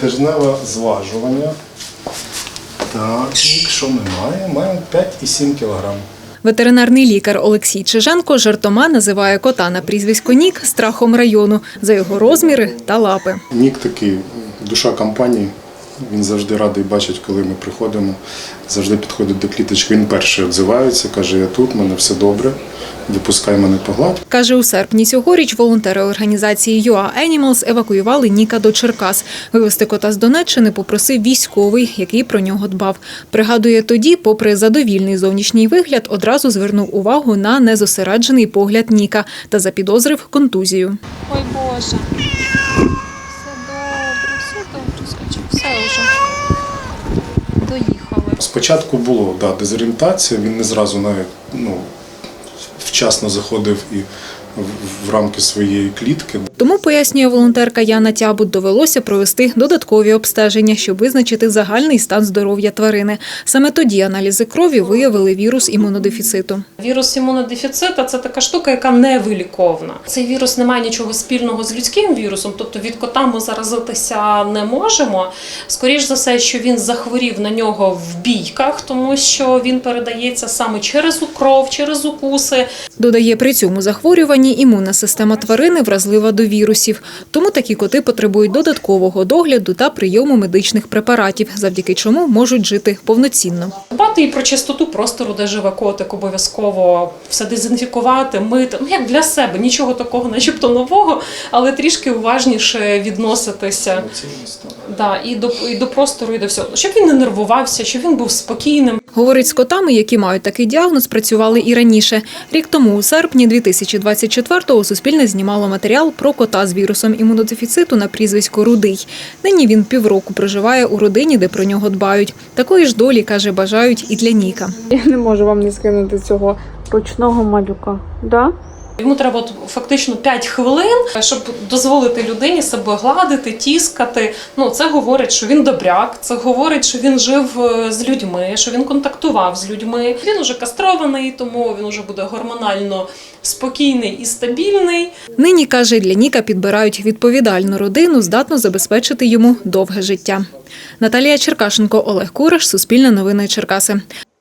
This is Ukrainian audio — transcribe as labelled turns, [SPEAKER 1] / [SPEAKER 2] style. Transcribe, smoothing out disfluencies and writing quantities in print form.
[SPEAKER 1] тижневе зважування. Так, що ми маємо? Маємо 5,7 кг.
[SPEAKER 2] Ветеринарний лікар Олексій Чиженко жартома називає кота на прізвисько Нік страхом району за його розміри та лапи.
[SPEAKER 1] Нік такий, душа компанії. Він завжди радий бачить, коли ми приходимо. Завжди підходить до кліточки. Він перший відзивається, каже, я тут, в мене все добре, випускай мене погладь.
[SPEAKER 2] Каже, у серпні цьогоріч волонтери організації UA Animals евакуювали Ніка до Черкас. Вивезти кота з Донеччини попросив військовий, який про нього дбав. Пригадує, тоді, попри задовільний зовнішній вигляд, одразу звернув увагу на незосереджений погляд Ніка та запідозрив контузію.
[SPEAKER 3] Ой, Боже. Все добре, скачу. Все вже. Доїхали.
[SPEAKER 1] Спочатку було дезорієнтація, він не зразу навіть вчасно заходив і в рамки своєї клітки.
[SPEAKER 2] Тому, пояснює волонтерка Яна Тябут, довелося провести додаткові обстеження, щоб визначити загальний стан здоров'я тварини. Саме тоді аналізи крові виявили вірус імунодефіциту.
[SPEAKER 4] Вірус імунодефіциту – це така штука, яка невиліковна. Цей вірус не має нічого спільного з людським вірусом, тобто від кота ми заразитися не можемо. Скоріш за все, що він захворів на нього в бійках, тому що він передається саме через кров, через укуси.
[SPEAKER 2] Додає, при цьому захворюванні імунна система тварини вразлива до вірусів. Тому такі коти потребують додаткового догляду та прийому медичних препаратів, завдяки чому можуть жити повноцінно.
[SPEAKER 4] Дбати і про чистоту простору, де живе котик, обов'язково все дезінфікувати, мити. Як для себе, нічого такого начебто нового, але трішки уважніше відноситися. І до простору, і до всього. Щоб він не нервувався, щоб він був спокійним.
[SPEAKER 2] Говорить, з котами, які мають такий діагноз, працювали і раніше. Рік тому, у серпні 2024-го, Суспільне знімало матеріал про кота з вірусом імунодефіциту на прізвисько Рудий. Нині він півроку проживає у родині, де про нього дбають. Такої ж долі, каже, бажають і для Ніка.
[SPEAKER 5] Я не можу вам не скинути цього ручного малюка. Да?
[SPEAKER 4] Йому треба фактично 5 хвилин, щоб дозволити людині себе гладити, тіскати. Це говорить, що він добряк, це говорить, що він жив з людьми, що він контактував з людьми. Він уже кастрований, тому він уже буде гормонально спокійний і стабільний.
[SPEAKER 2] Нині, каже, для Ніка підбирають відповідальну родину, здатну забезпечити йому довге життя. Наталія Черкашенко, Олег Кураш, Суспільне новини Черкаси.